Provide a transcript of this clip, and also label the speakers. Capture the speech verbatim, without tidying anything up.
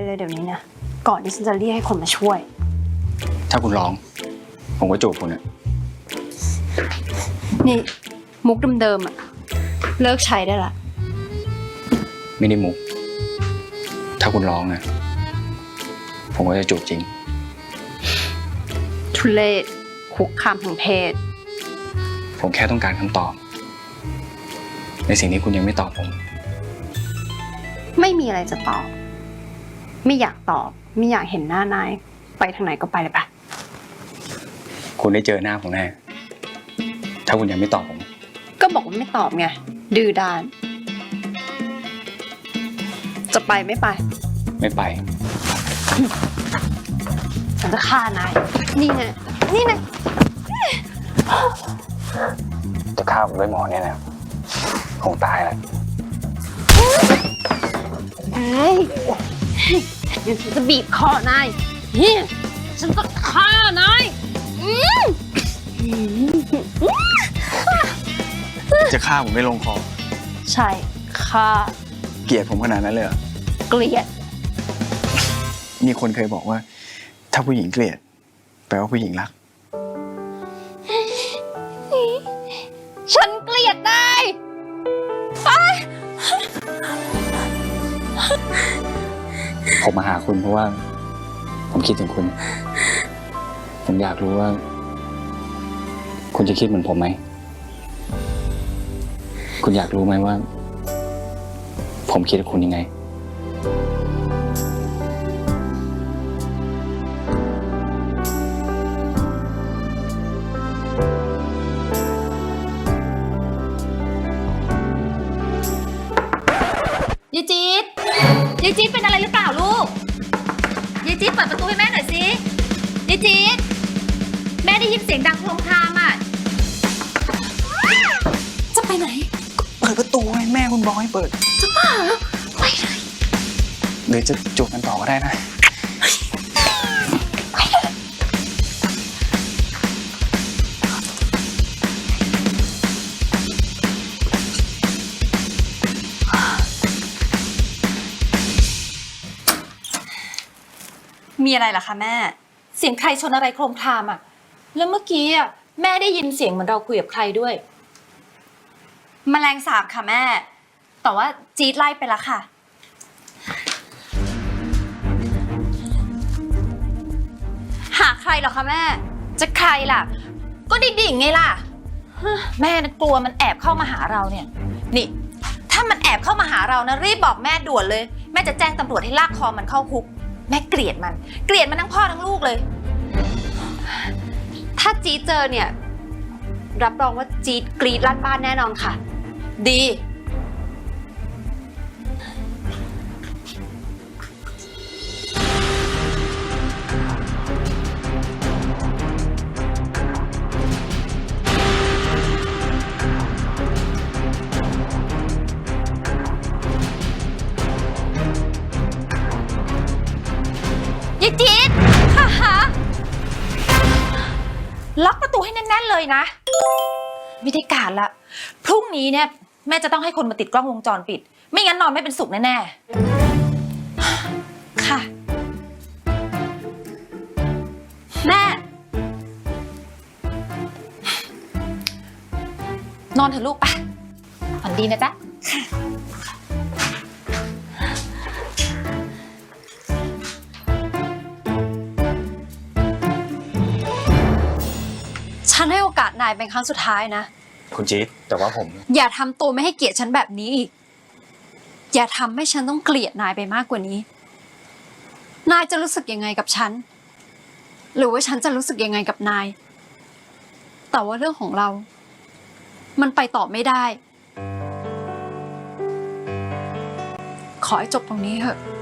Speaker 1: เลยเดี๋ยวนี้นะก่อนที่ฉันจะเรียกให้คนมาช่วย
Speaker 2: ถ้าคุณร้องผมก็จูบคุณอะ
Speaker 1: นี่มุกเดิมๆอะเลิกใช้ได้ละ
Speaker 2: ไม่ได้มุกถ้าคุณร้องนะผมก็จะจูบจริง
Speaker 1: ทุเรศคุกคามทางเพศ
Speaker 2: ผมแค่ต้องการคำตอบในสิ่งที่คุณยังไม่ตอบผม
Speaker 1: ไม่มีอะไรจะตอบไม่อยากตอบไม่อยากเห็นหน้านายไปทางไหนก็ไปเลยปะ
Speaker 2: คุณได้เจอหน้าผมแน่ถ้าคุณยังไม่ตอบผม
Speaker 1: ก็บอกว่าไม่ตอบไงดื้อด้านจะไปไม่ไป
Speaker 2: ไม่ไป
Speaker 1: ฉันจะฆ่านายนี่ไงนี่ไง
Speaker 2: จะฆ่าผมด้วยหมอเนี่ยนะคงตายแหละ
Speaker 1: เฮ้ยเดี๋ยวฉันจะบีบคอนายนี่ฉันจะฆ่านาย
Speaker 2: จะฆ่าผมไม่ลงคอ
Speaker 1: ใช่ฆ่า
Speaker 2: เกลียดผมขนาดนั้นเลยเหรอ
Speaker 1: เกลียด
Speaker 2: มีคนเคยบอกว่าถ้าผู้หญิงเกลียดแปลว่าผู้หญิงรัก
Speaker 1: ฉันเกลียดนาย
Speaker 2: ผมมาหาคุณเพราะว่าผมคิดถึงคุณผมอยากรู้ว่าคุณจะคิดเหมือนผมไหมคุณอยากรู้ไหมว่าผมคิดกับคุณยังไง
Speaker 3: ยายจี๊ดยายจี๊ดเป็นอะไรหรือเปล่าลูกยายจี๊ดเปิดประตูให้แม่หน่อยสิยายจี๊ดแม่ได้ยินเสียงดังโครมครามอ่ะจะไปไหน
Speaker 2: เปิดประตูให้แม่คุณบอกให้เปิด
Speaker 3: จะบ้าเหรอไปเลย
Speaker 2: หรือจะจูบกันต่อก็ได้นะ
Speaker 3: มีอะไรล่ะคะแม่เสียงใครชนอะไรโครมครามอ่ะแล้วเมื่อกี้อ่ะแม่ได้ยินเสียงเหมือนเราคุยกับใครด้วยแมลงสาบค่ะแม่แต่ว่าจี๊ดไล่ไปแล้วค่ะหาใครเหรอคะแม่จะใครล่ะก็ดิ่งๆไงล่ะแม่น่ะกลัวมันแอบเข้ามาหาเราเนี่ยนี่ถ้ามันแอบเข้ามาหาเรานะรีบบอกแม่ด่วนเลยแม่จะแจ้งตำรวจให้ลากคอมันเข้าคุกแม่เกลียดมันเกลียดมันทั้งพ่อทั้งลูกเลย
Speaker 1: ถ้าจี๊ดเจอเนี่ยรับรองว่าจี๊ดกรี๊ดลั่นบ้านแน่นอนค่ะ
Speaker 3: ดียายจี๊ดค่ะฮะล็อกประตูให้แน่นๆเลยนะไม่ได้การละพรุ่งนี้เนี่ยแม่จะต้องให้คนมาติดกล้องวงจรปิดไม่งั้นนอนไม่เป็นสุขแน่ๆค่ะแม่นอนเถอะลูกไปฝันดีนะจ๊ะ
Speaker 1: ฉันให้โอกาสนายเป็นครั้งสุดท้ายนะ
Speaker 2: คุณจี๊ดแต่ว่าผม
Speaker 1: อย่าทำตัวไม่ให้เกียรติฉันแบบนี้อีกอย่าทำให้ฉันต้องเกลียดนายไปมากกว่านี้นายจะรู้สึกยังไงกับฉันหรือว่าฉันจะรู้สึกยังไงกับนายแต่ว่าเรื่องของเรามันไปต่อไม่ได้ขอให้จบตรงนี้เถอะ